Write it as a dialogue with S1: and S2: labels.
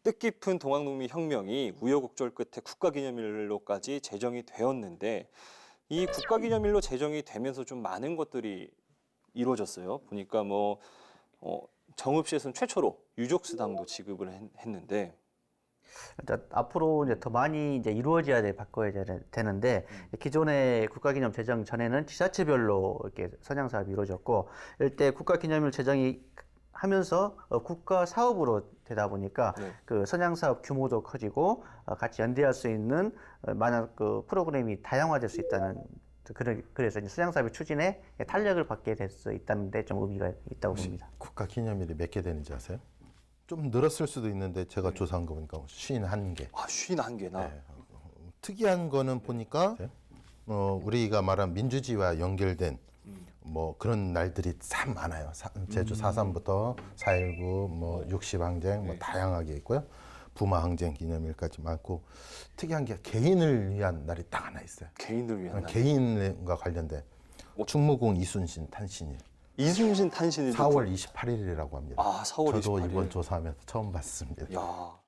S1: 뜻깊은 동학농민 혁명이 우여곡절 끝에 국가기념일로까지 제정이 되었는데 이 국가기념일로 제정이 되면서 좀 많은 것들이 이루어졌어요. 보니까 정읍시에서는 최초로 유족수당도 지급을 했는데
S2: 앞으로 이제 더 많이 이제 이루어져야 바꿔야 되는데 기존의 국가기념 제정 전에는 지자체별로 이렇게 선양 사업이 이루어졌고 이때 국가기념일 제정이 하면서 국가 사업으로 되다 보니까
S1: 네.
S2: 그 선양 사업 규모도 커지고 같이 연대할 수 있는 많은 그 프로그램이 다양화될 수 있다는 그래서 이제 선양 사업의 추진에 탄력을 받게 될 수 있다는 데 좀 의미가 있다고 봅니다.
S3: 국가 기념일이 몇 개 되는지 아세요? 좀 늘었을 수도 있는데 제가 조사한 거 보니까 51개.
S1: 아, 51개나.
S3: 네. 특이한 거는 보니까 우리가 말한 민주주의와 연결된 뭐 그런 날들이 참 많아요. 제주 4.3부터 4.19, 뭐 60항쟁 뭐 다양하게 있고요. 부마 항쟁 기념일까지 많고 특이한 게 개인을 위한 날이 딱 하나 있어요.
S1: 개인들 위한 날.
S3: 개인과 관련된 충무공 이순신 탄신일.
S1: 이순신 탄신일
S3: 4월 28일이라고 합니다.
S1: 아, 4월
S3: 저도
S1: 28일.
S3: 이번 조사하면서 처음 봤습니다.
S1: 야.